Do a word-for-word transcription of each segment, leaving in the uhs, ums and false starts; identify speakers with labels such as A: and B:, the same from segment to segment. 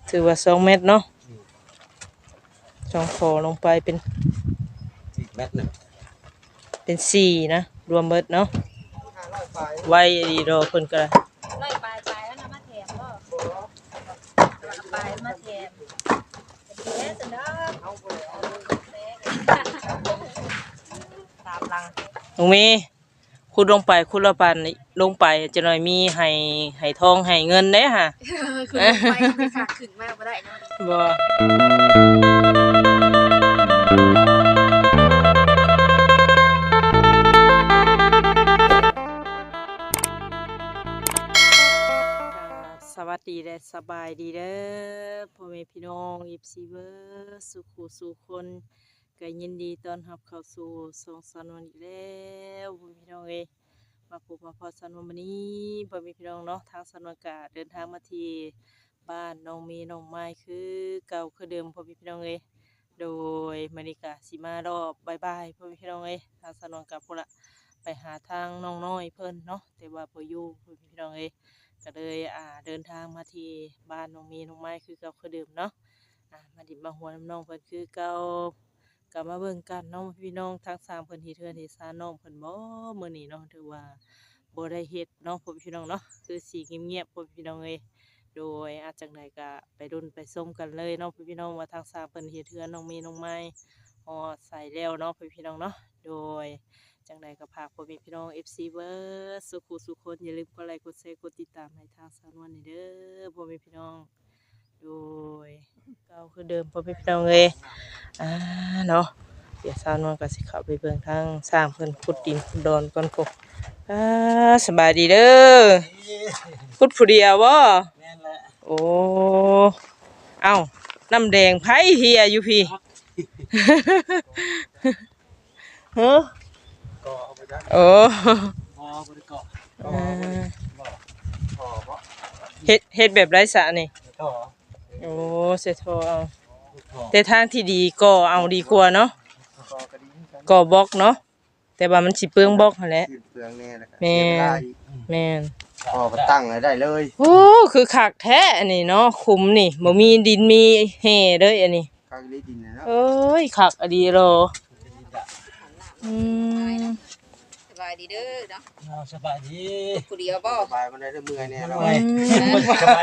A: ถือว่าสองเมตรเนาะสองคอลงไปเป็น
B: สี่เมตรหนึ่ง
A: เป็นสี่นะรวมเบิดเนาะไว้ดีรอเพิ่นก็ได้
C: ไล่ปลายปลายแล้วนะมาแถมก็ปลายมาแถมแม่สุดยอดตามหลัง
A: ตรงนี้ขุดลงไปขุดละปันลงไปจะหน่อยมีให้ให้ทองให้เงินเด้ฮะ
C: คือไปไม่ขาดขึ้นมากบ่ได้นะ
A: บ่สวัสดีและสบายดีเด้อพ่อแม่พี่น้องยิบซีเวอร์สุขุสุคนก็ยินดีต้อนรับเข้าสู่สองสนวนอีกแล้วพ่อแม่พี่น้องเอ้ยมาพบมาพอสนวนวันนี้พ่อแม่พี่น้องเนาะทางสนวนกะเดินทางมาที่บ้านน้องมีน้องไม้คือเก่าคือเดิมพ่อแม่พี่น้องเอ้ยโดยมณิกาสิมารอบบายบายพ่อแม่พี่น้องเอ้ยทางสนวนกับพวกละไปหาทางน้องน้อยเพิ่นเนาะแต่ว่าบ่อยู่พ่อแม่พี่น้องเอ้ยก็เลยอ่าเดินทางมาที่บ้านน้องมีน้องไม้คือเก่าคือเดิมเนาะอ่ามาดิบมาหัวน้ำน้องเพิ่นคือเก่ากลับมาเบิ่งกันน้องพี่น้องทั้งสามเพิ่นเฮ็ดเทือนเฮ็ดซานน้องเพิ่นบ่มื้อนี้เนาะถือว่าบ่ได้เฮ็ดเนาะพ่อพี่น้องเนาะคือสิเงียบๆพ่อพี่น้องเอ้ยโดยอาจจังไดก็ไปดุนไปส้มกันเลยเนาะพ่อพี่น้องว่าทั้งสามเพิ่นเฮ็ดเทือนน้องมีน้องไม้ฮอดใส่แล้วเนาะพ่อพี่น้องเนาะโดยจังใดก็ฝากพ่อแม่พี่น้อง เอฟ ซี เบิร์ดสุขุสุขคนอย่าลืมกดไลค์กดแชร์กดติดตามให้ทางสาวนวลนี่เด้อพ่อแม่พี่น้องโดยเก่าคือเดิมพ่อแม่พี่น้องเอ้ยอ่าเนาะเดี๋ยวสาวนวลก็สิเข้าไปเบิ่งทางสร้างเพิ่นขุดดินขุดดอนก่อนพวกอ่าสบายดีเด้อขุดผู้เดียวบ่
B: แม่นแหละ
A: โอ้เอ้าน้ำแดงไผเฮียอยู่พี่ฮะโอ้เฮ็ดเฮ็ดแบบไร้สระนี่โอ้เสร็จโทเอาแต่ทางที่ดีก็เอาดีกว่าเนาะก็บล็อกเนาะแต่ว่ามันสิเปลืองบล็อกนั่นแหละ
B: เปลืองแน่แล้ว
A: แม่นแม่น
B: พอตั้งได้เลย
A: โอ้คือคักแท้อันนี้เนาะขุมนี่บ่มีดินมีแห่เด้ออันนี้
B: คักได้ดินนะ
A: เอ้ยคักอดีโลอืม
C: สบายดีเด้อเนาะ
B: สบายดี
C: ผู้เดียวบ่
B: สบายมันได้เมื่อยแน่เรา
A: สบาย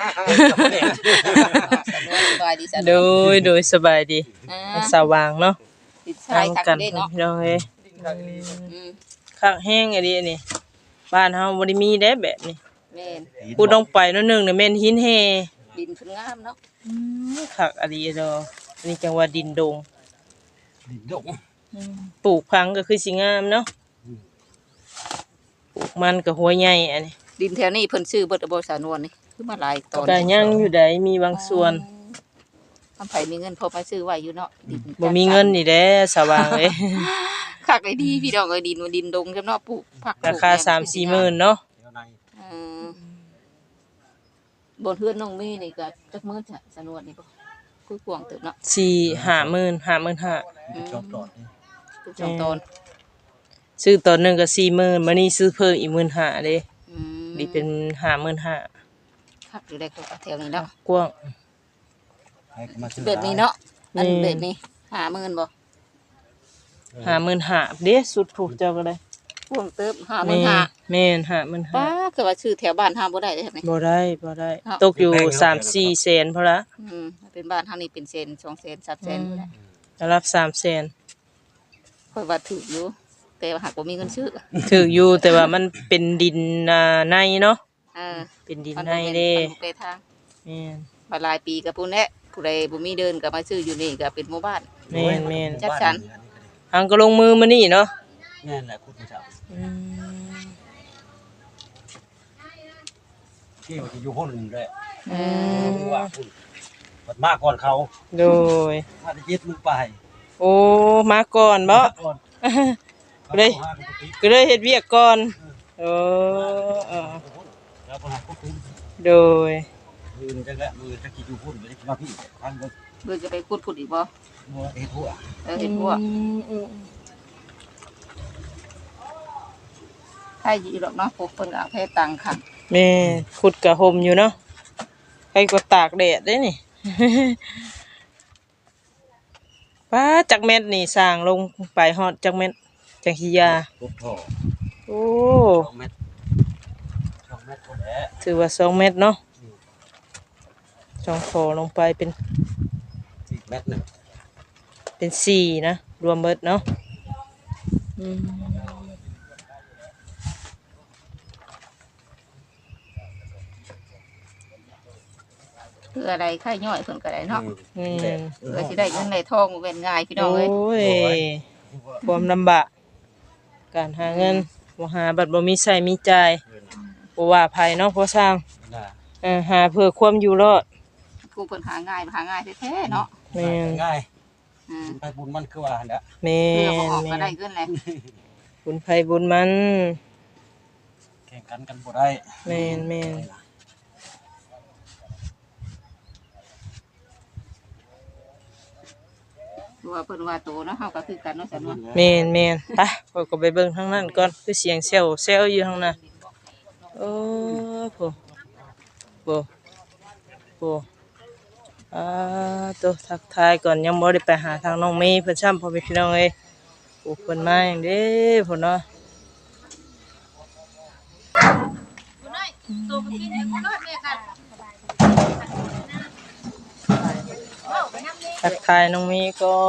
C: สบายดี
A: โดยโดยสบายดีสว่างเนาะ
C: ติดชายคักเด้เนาะ
A: พี่น้องเอ้ยคักแห้งอันนี้นี่บ้านเฮาบ่ได้มีเด้แบบนี้
C: แม่น
A: พูดลงไปนิดนึงน่ะแม่นหินแห่
C: ดินเพิ่นงามเนาะ
A: อืมคักอันนี้ดอกอันนี้จังว่าดินดง
B: ดินดง
A: ปลูกพังก็คือสิงามเนาะปลูกมันก็หัวใหญ่อันนี้
C: ดินแถวนี้เพิ่นซื้อเบิดบ่สานวนนี่คือมาหลายตอน
A: ก็ยังอยู่ได้มีบางส่วน
C: ทำไผมีเงินพอมาซื้อไว้อยู่เนาะดิน
A: บ่มีเงินนี่แหละสว่างเอ้ย
C: คักไอ้ดีพี่น้องเอ้ยดินว่าดินดงจังเนาะปลูกผัก
A: ราคา สามสี่หมื่น เนาะ
C: เออบนเฮือนน้องเมย์นี่ก็จักมื้อจ้ะสานวนนี่บ่คือกวางเติบเนาะ
A: สี่ ห้าหมื่น ห้าหมื่นห้า
B: จบตอนนี้
C: จบตอน
A: ซื้อตอนนึงก็ สี่หมื่น มื้อนี้ซื้อเพิ่มอีก หนึ่งหมื่นห้าพัน เด้อืมนี่เป็น ห้าหมื่นห้าพัน
C: คักอยู่ได้ก็แถวนี้เนาะ
A: กว้าง
C: แบบนี้เนาะอันแบบนี้ ห้าหมื่น บ่
A: ห้าหมื่นห้าพัน เด้สุดถูกเจ้าก็ได้
C: กวางเติบ ห้าหมื่นห้าพัน
A: แม่น ห้าหมื่นห้าพัน
C: ป้าคือว่าซื้อแถวบ้านเฮาบ่ได้เด้นี่
A: บ่ได้บ่ได้ตกอยู่ สามสี่ แสนพอละ
C: อืมเป็นบ้านเฮานี่เป็นแสน สองแสน สามแสนพุ่นแหละ
A: ระดับ สามแสน
C: ค่อยว่าถูกอยู่แต่ว่าหากบ่มีเงินซื้อ
A: ถูกอยู่แต่ว่ามันเป็นดินอ่าในเนาะ
C: เออ
A: เป็นดินในเด้
C: ไปทาง
A: แม่น
C: มาหลายปีก็พุ่นแหละผู้ใดบ่มีเดินก็มาซื้ออยู่นี่ก็เป็นหมู่บ้าน
A: แม่นแม่น
C: จัดสรร
A: ทางก็ลงมือมานี่เนาะ
B: แม่นแหละคุณผู้ชมอืมที่ว่าจะอยู่พุ่นด้วยอืมว่าพุ่นบัดมาก่อนเขา
A: โดย
B: มาได้ยึดมึงไป
A: โอ้มาก่อนบ่ก็เลยก็เลยเฮ็ดเวียกก่อนเออเออ
B: แล้วบ่หาควบคุม
A: โดย
B: มือจังแหละมือจะกี่อยู่พุ่นบ่ได้มาพี่ทางเบิ่ง
C: เบิ่งจะไปขุดขุดอีกบ่
B: บ่เฮ็ดหัว
C: เออเฮ็ดหัวให้อยู่ดอกเนาะพวกเพิ่นก็ให้ตังค์ค่ะ
A: แม่ขุดกะห่มอยู่เนาะใครก็ตากแดดได้นี่ ป้าจักเม็ดนี่สร้างลงไปฮอดจักเม็ดจังสิยา
B: พบพ่อ
A: โอ้
B: สองเม็ดสองเม็ดคนแหละ
A: ถือว่าสองเม็ดเนาะสองฟอลงไปเป็น
B: สี่เม็ดหนึ่ง
A: เป็นสี่นะรวมเบิดเนาะอืม
C: เพื่ออะไรค่าย่อยเพิ่นก็ได้เนาะ
A: อืม
C: เพื่อสิได้เงินได้ทองบ่เป็นง่ายพี่น้องเอ้ย
A: โอ้ยความลำบากการหาเงินบ่หาบัดบ่มีใช้มีจ่ายบ่ว่าภัยเนาะพ่อสร้าง
B: น่ะ
A: เออหาเพื่อความอยู่รอด
C: กูเพิ่นหาง่ายหาง่ายแท้ๆเนาะ
A: แม่น
B: ง่าย
C: อืม
B: ไปบุญมันคือว่าเนี่ย
A: แม่
C: เพื่อบ่ออก
A: น
C: ก็ได้
A: แม่น
C: เงินแหละ
A: บุญภัยบุญมัน
B: แข่งกันกันบ่ได้
A: แม่นแม่น
C: ตัวาเพิ่นว่าโตเนาะเฮาก็คือกันเนาะสำนวน
A: แม่นแม่นไปข้อยก็ไปเบิ่งทางนั้นก่อนคือเสียงเซลเซลอยู่ทางนั้นโอ้โหโหโหอ่าตัวทักทายก่อนยังบ่ได้ไปหาทางน้องเมย์เพิ่นซ้ำพ่อแม่พี่น้องเอ้ยโอ้เพิ่นมาอย่างเด้พุ่นเนาะ
C: ตัวมันกินให้กูรอดแม่กัน
A: ทักทายน้องเมย์ก่อน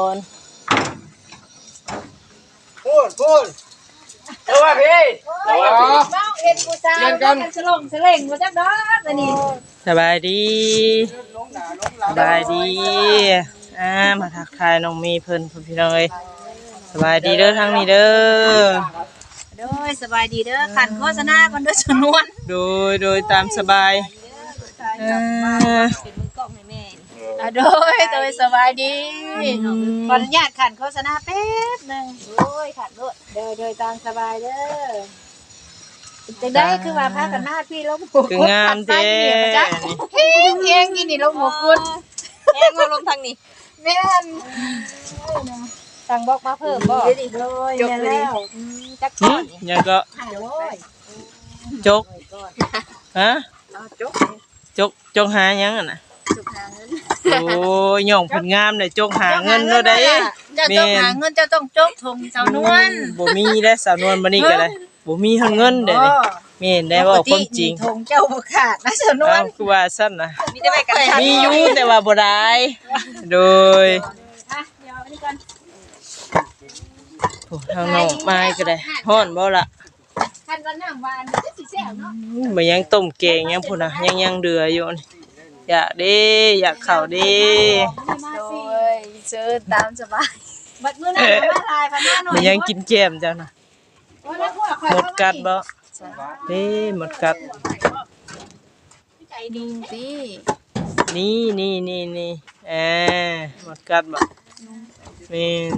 B: พูดพูดเออว่าพี่
C: เมาเห็นกูซ่ากันสลงสลงบ่จักดอกอันนี้
A: สบายดีสบายดีอ่ามาทักทายน้องเมย์เพิ่นพ่อพี่น้องเอ้ยสบายดีเด้อทางนี้เด้อ
C: โดยสบายดีเด้อขันโฆษณาก่อนเด้อชนวน
A: โดยโดยตามสบายเอ่อ
C: เป็นมือกล้องให้แม่อ่ะโดยโดยสบายดีขออนุญาตขันโฆษณาแป๊บหนึงโดยขันโดยโดยโดยตามสบายเด้อจังได้คือว่าพากันหน้าพี่ลงหมู
A: คืองามเด้
C: เฮียงเฮียงกินนี่ลงหมูกุดเฮียงมาลงทางนี้แม่นสั่งบอกมาเพิ่มบ่โดยจบแล้วจัก
A: หึ
C: ก่อน
A: ยังก็
C: โดย
A: จกฮะ
C: จก
A: จกจกหายังอ่ะนะ
C: จกหาเงิน
A: โอ้ยย่องเพิ่นงามเลยจกหาเงินเนาะได้
C: เจ้าต้องหาเงินเจ้าต้องจกทงเจ้านวล
A: บ่มีได้สาวนวลบัดนี้ก็ได้บ่มีเฮาเงินเด้นี่แม่นได้เว้าความจริง
C: ทงเจ้าบ่ขาดนะเจ้านว
A: เอ้า
C: ล
A: คือว่าซั่นน่ะ
C: มีแต่ไปกันชัน
A: มีอยู่แต่ว่าบ่ได้โดย
C: อ่ะเดี๋ยวอันนี้ก่อน
A: โอ้ทางน้องไม้ก็ได้ฮ้อนบ่ล่ะ
C: คันวันน้ำหวานจะสิแซ่บเนาะ
A: อืมบ่ยังต้มแกงยังพุ่นน่ะยังยังเดืออยู่นี่อยากเด้อยากข้าวเด้
C: โดยเชิญตามสบายบัดมื้อนั้นมาลายพันหน้าหน่อย
A: มันยังกินแก้มเจ้าน่ะ
C: โอ้ยแล้วพวกข่อย
A: หมดกัดบ่เด้หมดกัด
C: ใจดีสิ
A: นี่นี่นี่นี่เออหมดกัดบ่แม่น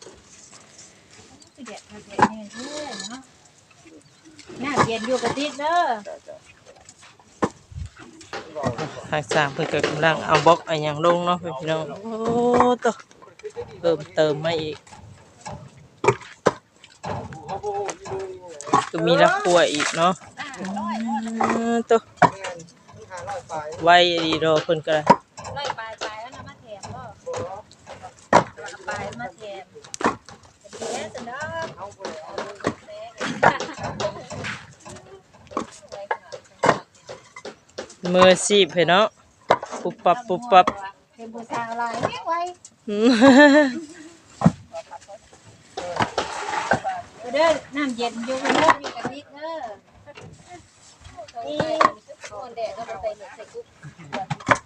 C: เด็ดเด็ดเนี่ยเด้อเนาะน้าเย็นอยู่กับติดเด้อ
A: ทางสร้างเพิ่นก็กำลังเอาบล็อกเอาหยังลงเนาะเพิ่นพี่น้องโอ้ตะเติมเติมมาอีกก็มีละครัวอีกเนาะอือตะไว้ดีดอกเพิ่นก็ได้
C: ไล่ปลายปลายแล้วนะมาแถมบ่ปลายมาแถมดีแล้วสิเนาะ
A: มือซีบให้เนาะปุ๊บปับปุ๊บปับ
C: เป็นผู้สาวหลายแม่ไว้
A: อืม
C: เด้อน้ำเย็นอยู่เด้อมีกะทิเด้อนี่คนแดดก็บ่ใส่ใส่กุ๊ก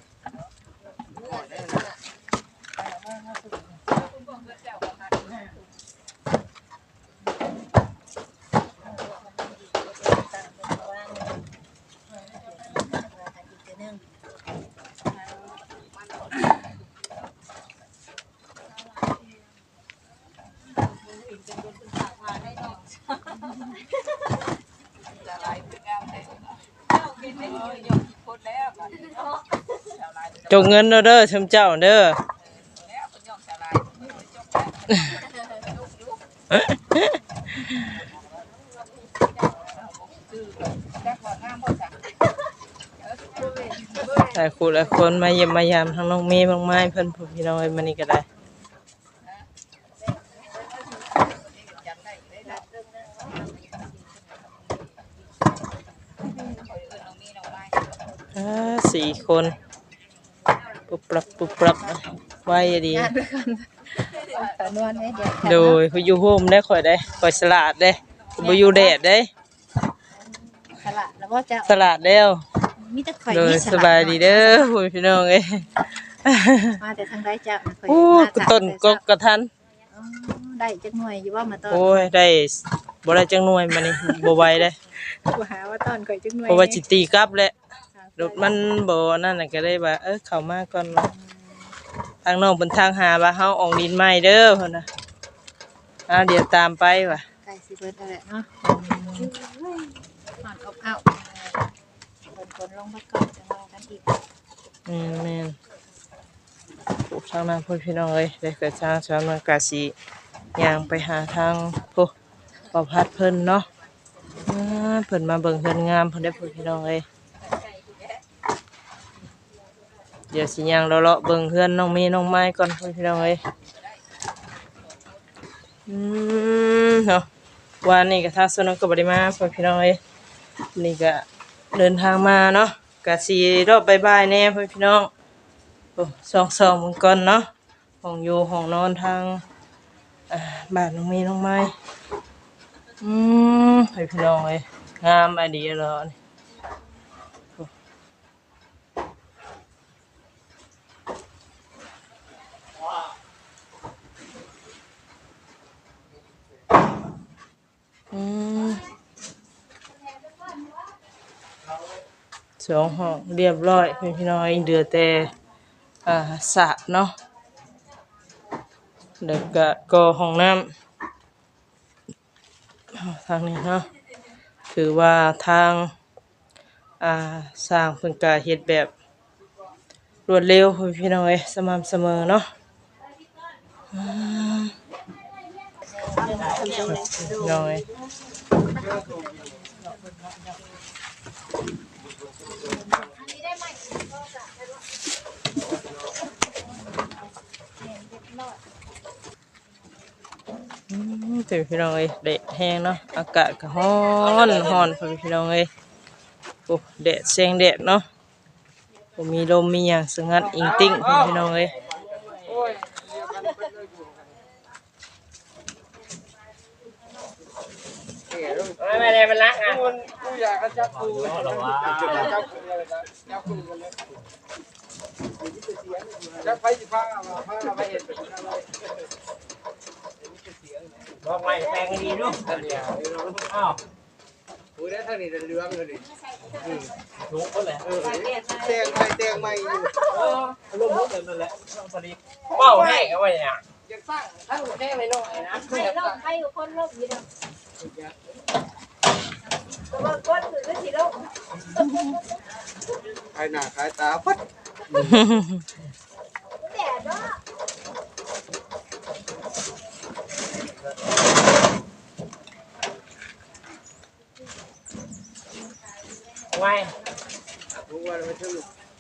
A: จงเงินเด้อเด้อชมเจ้าเด้อ
C: เ
A: หลายคู่หลายคนมาเยี่ยมมายามทั้งน้องเมย์บางไม้เพิ่นพี่น้องเอ้ยมานี่ก็ได้อ่าสี่คนปุบปรับปุบปรับไว้ดี
C: ตอนวันนี้เดี๋ยว
A: โดยเขาอยู่โฮมได้ข่อยได้ข่อยสลัดได้บ่อยู่แดดได้
C: สละแล้วก็จะ
A: สลัดแล้ว
C: มีแต่ข่อย
A: โดย
C: มี
A: สบายดีเด้อผู้พี่น้องเอ้ย
C: มาแต่ทางใดจะ
A: โอ้ต้นกกกระทัน
C: ได้จักหน่วยอยู่ว่ามาตอน
A: โอ้ยได้บ่ได้จังหน่วยมานี่บ่ไหวเด้
C: กูหาว่าตอนข่อยจักหน่วย
A: เพราะว่าสิตีกลับแหละรถมันบ่นั่นน่ะก็เลยว่าเออเข้ามาก่อนเนาะทางน้องเพิ่นทางหาว่าเฮาออกดินใหม่เด้อเพิ่นน่ะอ่าเดี๋ยวตามไปว่ะ
C: ไก่สิเบิดนั่นแหละเนาะผ่านอบอ้าวเบิดคนลงมาก่อนจะลองกันอีก
A: อืมแม่นพวกทางนั้นพุ่นพี่น้องเอ้ยได้ก็ทางสามนกาสิย่างไปหาทางผู้ประพัดเพิ่นเนาะอ่าเพิ่นมาเบิ่งเฮือนงามเพิ่นได้พุ่นพี่น้องเอ้ยเดี๋ยวสิย่างเลาะๆเบิ่งเฮือนน้องเมย์น้องไม้ก่อนพุ่นพี่น้องเอ้ยอืมเนาะวันนี้ก็ทางสวนก็บ่ได้มาพุ่นพี่น้องเอ้ยนี่ก็เดินทางมาเนาะก็สิรอบบ่ายๆแน่พุ่นพี่น้องโอ้สองๆมื้อก่อนเนาะห้องอยู่ห้องนอนทางอ่าบ้านน้องเมย์น้องไม้อืมให้พี่น้องเอ้ยงามอะดีเหรอนี่อืมสองห้องเรียบร้อยพี่น้องเอ้ยเหลือแต่อ่าสระเนาะแล้วก็ก่อห้องน้ำทางนี้เนาะถือว่าทางอ่าสร้างเพิ่นก็เฮ็ดแบบรวดเร็วพี่น้องเอ้ยสม่ำเสมอเนาะอืมพี่น้องเอ้ยอืมแต่พี่น้องเอ้ยแดดแห้งเนาะอากาศก็ร้อนร้อนพี่น้องเอ้ยโอ้แดดแสงแดดเนาะบ่มีลมมีหยังสงัดอิงติ้งพี่น้องเอ้ยไม่ได้มันรักอ่ะกูอยากจับกูจับกูจับกูจับไฟสิฟ้ามาฟ้ามาเห็นบอกไว้แปลงดีเนาะอ้าวกูได้ทางนี้เรื่องเลยอืมถูกก็แหละเออแตงไปแตงใหม่อยู่เออลมมุกนั่นแหละพอดีเป้าให้เอาไว้เนี่ยยังสร้างทั้งแน่ไม่น้อยนะให้ลมให้คนลมอยู่เนาะตัวก้นถือก็สิลมใครหน้าใครตาพัดแดดเนาะไว้รู้ว่าไม่ถึง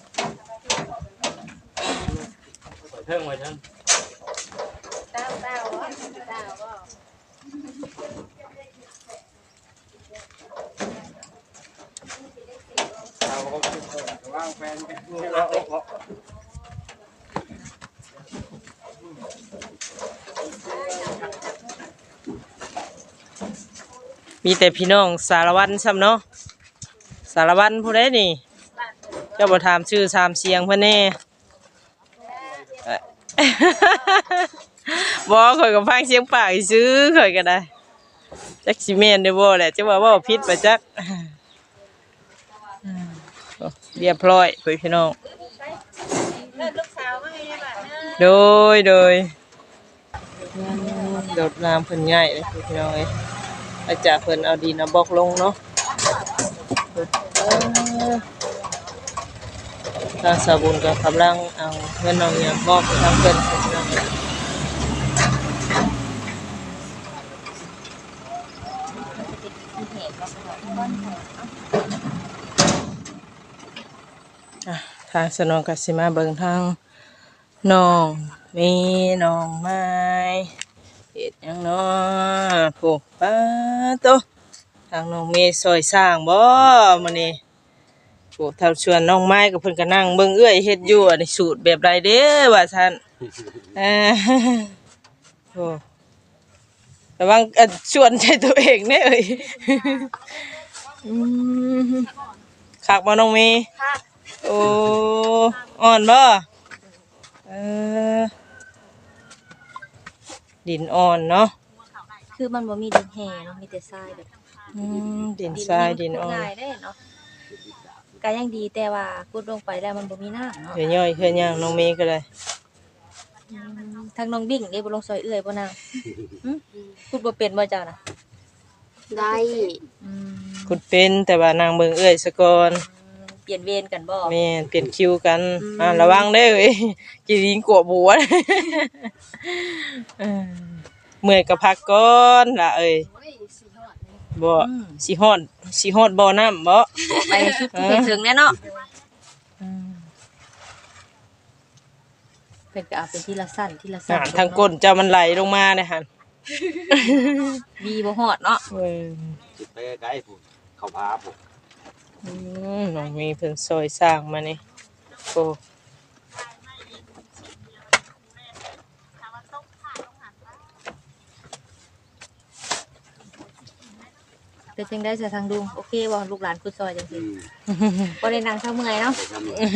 A: เพิ่งไว้ทั้งเต้าเต้าเต้าก็เราก็คิดว่าแฟนเป็นผู้เรามีแต่พี่น้องสารวัตรซ้ำเนาะสารวัตรผู้ใดนี่เจ้าบ่ถามชื่อถามเสียงเพิ่นแน่บ่ข่อยก็ฟังเสียงปากซื้อข่อยก็ได้จักสิแม่นได้บ่แหละจังว่าเว้าผิดไปจักเรียบร้อยพี่น้องโดยโดยโดดน้ำเพิ่นง่ายเลยพี่น้องเอ้ยอาจารย์เพิ่นเอาดินเอาบล็อกลงเนาะทางสาบุญก็กำลังเอาเงินน้องเนี่ยมอบไปทางเพิ่นทางสนองก็สิมาเบิ่งทางน้องมีน้องไม้เฮ็ดหยังเนาะโผป้าโตทางน้องมีซอยสร้างบ่มื้อนี้โผเท่าชวนน้องไม้ก็เพิ่นก็นั่งเบิ่งเอื้อยเฮ็ดอยู่อันนี้สูตรแบบใดเด้อว่าซั่นเออโอ้ระวังอันชวนใจตัวเองแน่เอ้ยอืมคักบ่น้องมี
C: ค่ะ
A: โอ้อ่อนบ่เออดินอ่อนเนาะ
C: คือมันบ่มีดินแห้เนาะมีแต่ทรายแบบ
A: อืมดินทรายดินอ่อน
C: ง่ายได้เนาะก็ยังดีแต่ว่ากุดลงไปแล้วมันบ่มีน้ำเนาะ
A: เดี๋ยวย่อยเฮือนย่างน้องเมย์ก็เลย
C: อืมทางน้องบิ่งนี่บ่ลงซอยเอื้อยบ่นางหึกุดบ่เป็นบ่เจ้าน่ะ
D: ได้
C: อืม
A: ขุดเป็นแต่ว่านางเบิ่งเอ้อยซะก่อน
C: เปลี่ยนเวรกันบ่
A: แม่นเปลี่ยนคิวกันอ่าระวังเด้อเว้ยกินดินกวบัวเออเมื่อยก็พักก่อนล่ะเอ้ยบ่สิฮอดสิฮอดบ่อน้ำบ่
C: ไปสุดผู้เป็นถึงแน่เนาะ
A: อืม
C: เพิ่นก็เอาเป็นทีละสั้นทีละสั้
A: อ่าน ทางก้นเจ้ามันไหลลงมาเนี่ยหั่น
C: มีบ่ฮอดเนาะ
A: เออ
B: สิไปไกลพุ่นเข้าพาพุ่น
A: อืมน้องมีเพิ่นซอยสร้างมานี่โอ้
C: เป็นจังได๋ซะทางลุงโอเคบ่ลูกหลานกุดซอยจัง
B: อื
C: ซี่
B: ม
C: บ่ได้นั่งเช้าเมื่อยเนาะ
B: ไปทำเลย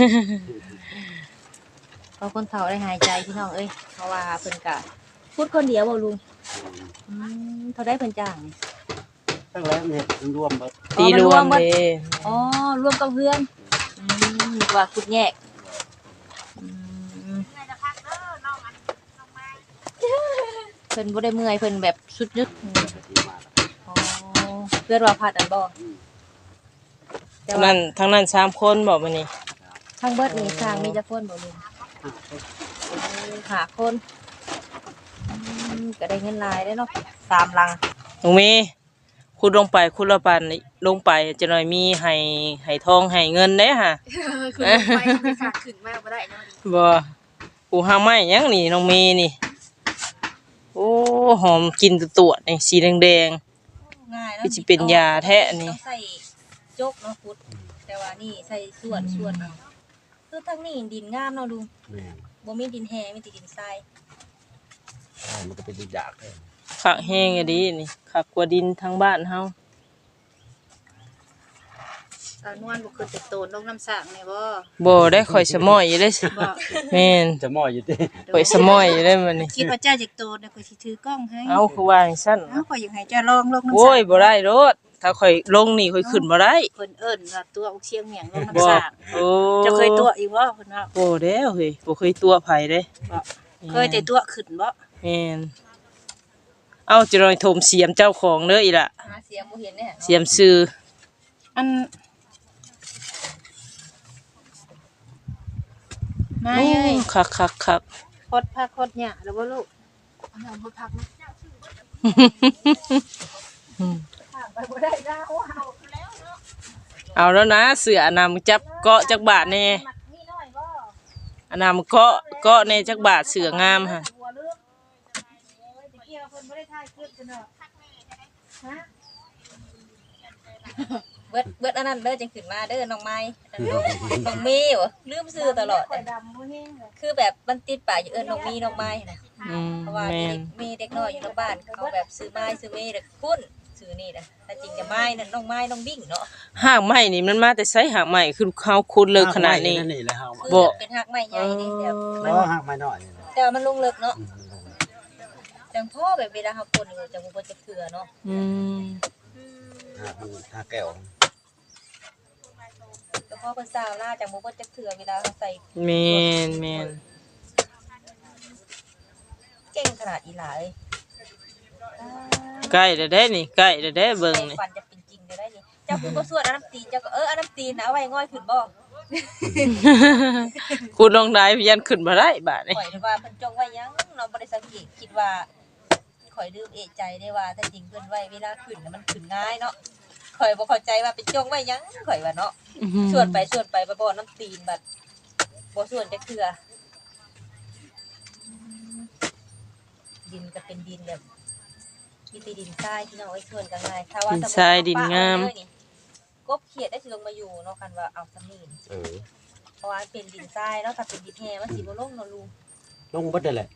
C: เพราะคนเฒ่าได้หายใจพี่น้องเอ้ยเพราะว่าเพิ่นก็พูดคนเดียวบ่ลุงอืมเท่าได้เพิ่นจ้างนี่
B: ตั้งแล้วเนี่ยรวมเบิด
A: ตีรวมเด้
C: อ๋อรวมกับเพื่อนอืมนึกว่าคุดแยกอืมเพิ่นบ่ได้เมื่อยเพิ่นแบบสุดนึก
B: ที่มาแล้ว
C: อ๋อเพื่อนว่าพัดอันบ่แต่
A: ทั้ง
C: ว่า
A: นั้นทั้งนั้นสามคนบอกมานี่
C: ทั้งเบิดนี่สร้างมีจักคนบ่ลุงหาคนอืมก็ได้เงินหลายได้เนาะสามหลัง
A: น้องเมย์คุณลงไปคุณละปันลงไปจะหน่อยมีให้ให้ทองให้เงินเด้ฮะ
D: คือไปไปฝากขึ้นมาบ่ได้เนาะดิ
A: บ่กูหาไม้หยังนี่น้องเมย์นี่โอ้หอมกลินตัวๆนี่สีแดง
C: ง่ายเนาะ
A: คือสิเป็นยาแท้อันนี้
C: ต้องใส่โจกเนาะพุดแต่ว่านี่ใส่ส่วนส่วนเอาคือทั้งนี้ดินงามเนาะลุง
B: แม่น
C: บ่มีดินแห้มีแต่ดินทราย
B: เออมันก็เป็นดินยากเลย
A: ๆคักแห้งอะดีนี่คักกว่าดินทางบ้านเฮา
D: สาวนวลบ่คือแต่โตนลงน้ำสร้างนี่บ่
A: บ่ได้ข่อยสมอยอยู่เด้
D: บ่
A: แม่น
B: จะมอยอยู่ติ
A: ข่อยสมอยอยู่เด้มื้อนี้
D: คิดว่าเจ้าจะโตนเดี๋ยวข้อยสิถือกล้องให้
A: เอ้าคือว่าจังซั่น
D: เอ้าข้อยอยากให้เจ้าลองลงน้ำสร้าง
A: โอ้ยบ่ได้โลดถ้าข่อยลงนี่ข่อยขึ้นบ่ได้
D: เพิ่นเอิ้นว่าตัวอุกเชียงเหมียงลง
A: บ่
D: น้ำสร้าง
A: โอ้
D: เจ้าเคยตัวอีกบ่เพิ่นว่า
A: โอ้แล้วเฮ้ยบ่เคยตัวไผเด้
D: บ่เคยแต่ตัวขึ้นบ่
A: แม่นเอ้าจะลอยโทมเสียมเจ้าของเด้ออีล่ะ
C: หาเสียงบ่เห็นแน่
A: เสียมซื้อ
D: อันนาย
A: โอ้
D: เอ้ย
A: คักคักคัก
D: คดพักคดหญ้าแล้วบ่ลูกอันนั้นบ่พักนะ
A: อืม
D: ไปบ่ได้ดาวเฮา
A: เอาแล้วนะเสืออนามจับเกาะจักบาทแน่
D: มักมีน้อยบ่
A: อนามเกาะเกาะในจักบาทเสืองามค่ะ
D: หัวเรื่องโอ้ยตะเกียบเพิ่นบ่ได้ถ่ายคลิปกันเนาะฮะ
C: เบิดเบิดอันนั้นเด้อจังขึ้นมาเด้อน้องไม้อันนั้นน้องน้องมีบ่ลืมชื่อตลอด
D: ข่อยดำบ่แห้งเลย
C: คือแบบมันติดปากอยู่เอิ้นน้องมีน้องไม้นะ
A: อืม
C: เพราะว่า
A: แม่
C: มี
A: น
C: มีเด็กน้อยอยู่ในบ้านเขาแบบซื้อไม้ซื้อเมย์แล้วก็คุ้นซื้อนี่นะแต่จริงจะไม้นั่นน้องไม้น้องบิ่งเนาะ
A: หากไม้นี่มันมาแต่ไสหากไม้คือเขาขุดเลิกขนาดนี้
B: นี่แหละเฮา
C: คือ
A: บ่
C: แบบเป็นหักไม้ใหญ่นี่แต่
B: บ่
C: มัน
B: หักไม้น้อยนี่แหละ
C: แต่ว่ามันลงเลิกเนาะ
B: อืม
C: จังพ่อแบบเวลาเขาปนอยู่จังบ่บ่จะเถื่อเนาะ
A: อืม
B: หักมันหักแก้ว
C: แต่พ่อเพิ่นสาวล่าจังบ่บ่จะเถื่อเวลาเขาใส่
A: แม่นแม่น
C: เก่งขนาดอีหลาเอ้ย
A: ใกล้แล้วเด้นี่ใกล้แล้วเด้เบิ่งนี่
C: ฟันจะเป็นจริงได้นี่เจ้าคือบ่สวดอันน้ำตีนเจ้าก็เอออันน้ำตีนนะเอาไว้ง่อยขึ้นบ่
A: คุณลองได้ยันขึ้นมาได้บาดนี่
C: ข่อยว่าเพิ่นจงไว้หยังเราบ่ได้สังเกตคิดว่าข่อยลืมเอะใจได้ว่าแต่จริงเพิ่นไว้เวลาขึ้นน่ะมันขึ้นง่ายเนาะข่อยบ่เข้าใจว่าเป็นจงไว้หยังข่อยว่าเนาะส่วนไปส่วนไปบ่บ่น้ำตีนบัดบ่ส่วนจะเถื่อดินก็เป็นดินแบบมีแต่ดินทรายพี่น้องไอ้ส่วนกันง่ายถ้าว่า
A: ดินทรายดินงาม
C: กบเขียดได้สิลงมาอยู่เนาะกันว่าเอาสำนีน
B: เออ
C: เพราะว่าเป็นดินทรายเนาะถ้าเป็นดินแห้งมันสิบ่ลงเนาะลุง
B: ลงเบิดได้แหละ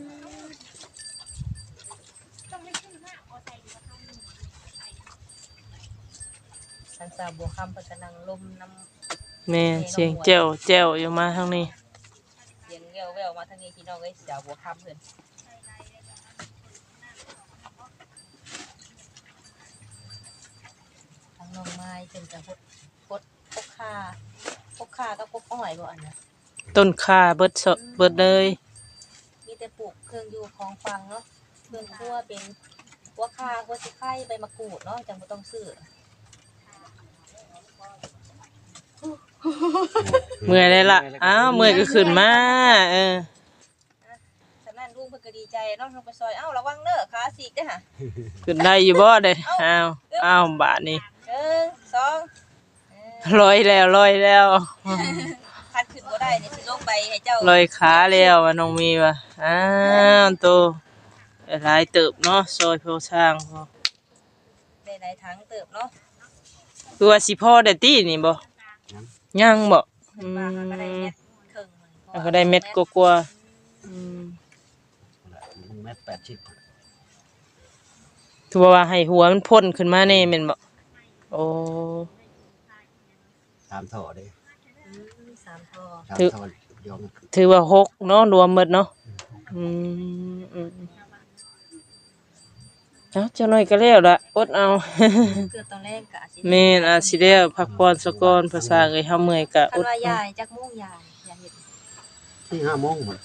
C: สันสาวบัวคำเพิ่นก็นั่งลมน้ำ
A: แม่เสียงแจ้วแจ้วอยู่มาทางนี้
C: เสียงแววๆมาทางนี้พี่น้องเอ้ยสาวบัวคำเพิ่นทางน้องไม้เป็นกับพดพดพกคาพกคากับพกอ้อยบ่อันน่ะ
A: ต้นข่าเบิดสดเบิดเลย
C: มีแต่ปลูกเครื่องอยู่ของฟังเนาะเครื่องครัวเป็นหัวคาหัวสิไข่ใบมะกรูดเนาะจังบ่ต้องซื้อ
A: เมื่อยเลยล่ะอ้าวเมื่อยก็ขึ้นมาเออ
C: ฉะนั้นลุงเพิ่นก็ดีใจเนาะลงไปซอยเอ้าระวังเด้อขาฉีกเด้อห่ะ
A: ขึ้นได้อยู่บ่เด้อ้าวอ้าวบาดนี้
C: หนึ่งสองเออ
A: ลอยแล้วลอยแล้ว
C: คันขึ้นบ่ได้นี่สิลงไปให้เจ้า
A: ลอยขาแล้วว่าน้องมีว่าอ้าวโตหลายเติบเนาะซอยโพช่างพอ
C: ได้หลายถังเติบเนาะ
A: คือว่าสิพ่อได้ตีนี่บ่ยังบ่อื
C: มาม ก็ได้เม็ดครึ่ง
A: แล้วก็ได้เม็ดกว่าๆอืม
B: ลงเม็ดแปดสิบ
A: ถือว่าให้หัวมันพ่นขึ้นมาแน่แม่นบ่โอ้
B: สามท่อเด้
C: อืมสามท่อ
B: สามท่อยอม
A: ถือว่าหกเนาะรวมหมดเนาะอืมอืมเอ้าเจ้าน้อยก็แล้วล่ะอดเอา
C: เกือบตอนแรกก็อาจสิ
A: แม่นอาจสิแล้วพักผ่อนซะก่อนภาษาเอ้ยเฮาเมื่อยก็
C: คั
A: อน ด
C: ว่า
A: เอา
C: ยายจักโมงยายยายเฮ็ด
B: ที่ห้าโมงหมด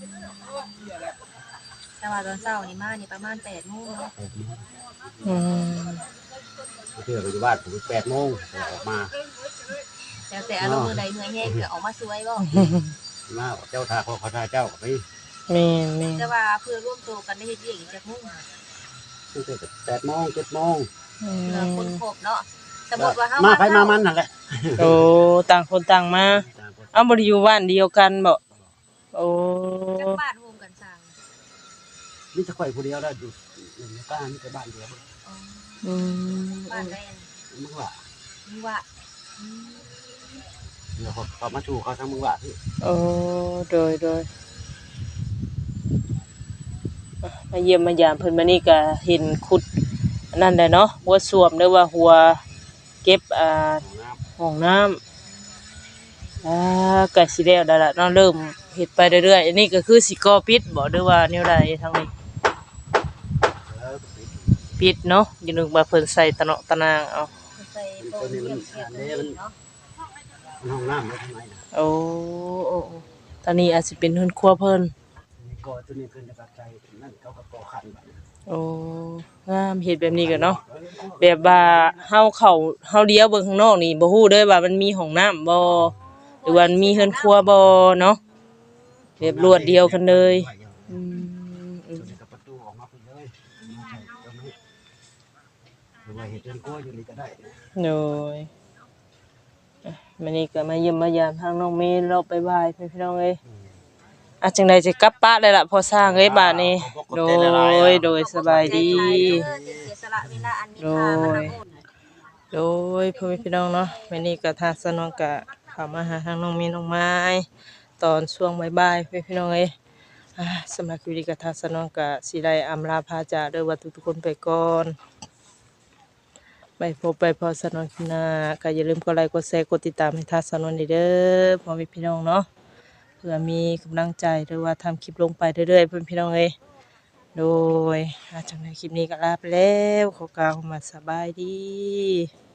C: แต่ว่าตอนเช้านี่มานี่ประมาณแปดโมงเนาะ
B: แปดโมง
A: อืม
B: เพื่อไปอยู่บ้านผมแปดโมงแล้วออกมา
C: แล้วแต่อารมณ์มื้อใดเมื่อยแห้งก็ออกมาช่วยบ่
B: มาเจ้าทาเขาเขาทาเจ้าก็ไป
A: แม่นแม่น
C: แต่ว่าเพื่อร่วมตัวกันได้เฮ็ดเวียกอีกจักโมง
B: ตั้งแต่แปดโมงเจ็ดโมง
A: อื
C: เพื่อคน
A: ม
C: ครบเนาะสมมุติว่าเฮา
B: มา
C: มา
B: ไปมามันนั่นแหละ
A: โอ้ต่างคนต่างมาเอ้าบ่ได้อยู่บ้านเดียวกันบ่โอ้
C: จักบ้านโฮมกันสร้าง
B: นี่จะข่อยผู้เดียวได้อยู่อยู่ในบ้านนี่แต่บ้านเดียว
C: อ๋อ
A: อืม
C: บ้านแดน
B: มึงว่า
C: นี่ว่าอืม
B: เดี๋ยวเขาเขามาชูเขาทั้งมึงว่าพี่
A: โอ้โดยโดยอ่ะมาเยี่ยมมายามเพิ่นมานี่ก็เห็นขุดอันนั่นแหละเนาะหัวส้วมหรือว่าหัวเก็บอ่า
B: ของน้
A: ห้องน้ำอ่าก็สิแล้วได้ละเนาะเริ่มเฮ็ดไปเรื่อยๆอันนี้ก็คือสิก่อปิดบ่หรือว่าแนวใดทางนี้
B: ำแล้วก็ปิด
A: ปิดเนาะอย่านึกว่าเพิ่นใส่ตะเนาะตะนางเอา
C: ใส่โฟมเยี่ยมเทียบเลยเนาะ
B: มันห้องน้ำแล้วทำไมนะ
A: โอ้โอ้โอ้ตอนนี้อาจสิเป็นเฮือนครัวเพิ่น
B: นี่ก่อตัวนี้เพิ่นจะปักใจนั่นเขาก็ก่อขันแบบนี้
A: โอ้งามเฮ็ดแบบนี้ก็เนาะแบบว่าเฮาเข้าเฮาเลี้ยวเบิ่งข้างนอกนี่บ่ฮู้เด้อว่ามันมีห้องน้ำบ่หรือว่ามันมีเฮือนครัวบ่เนาะแบบรวดเดียวกันเลยอืมอื
B: ตัว
A: ม
B: นี้ก็ประตูออกมาเพิ่นเลยมาใส่ตรงนี้หรือว่าเห็ดเรือนกล้วยอยู่นี่ก็ได้นะ
A: โดยอ่ะมื้อนี้ก็มาเยี่ยมมายามทางน้องเมย์เราไปบายพี่น้องเอ้ยอ่ะจังได๋สิกลับปะเลยล่ะพอสร้างเอ้ยบาดนี้ โดยโดยสบายดี
C: เสียสละเวลาอันมีค่ามาทำบุญ
A: โดยพ่อแม่พี่น้องเนาะวันนี้ก็ทางสนองกะเข้ามาหาทางน้องมีน้องไม้ตอนช่วงบ่ายๆพ่อแม่พี่น้องเอ้ยอ่าสำหรับคลิปนี้ก็ทางสนองกะสิได้อำลาพาจากเด้อว่าทุกๆคนไปก่อนไปพบไปพอสนองคลิปหน้าก็อย่าลืมกดไลค์กดแชร์กดติดตามให้ทางสนองเด้อพ่อแม่พี่น้องเนาะเพื่อมีกำลังใจหรือว่าทำคลิปลงไปเรื่อยๆพ่อแม่พี่น้องเอ้ยโดยอาจากในคลิปนี้ก็ลาไปแล้วขอกล่าวคำว่าสบายดี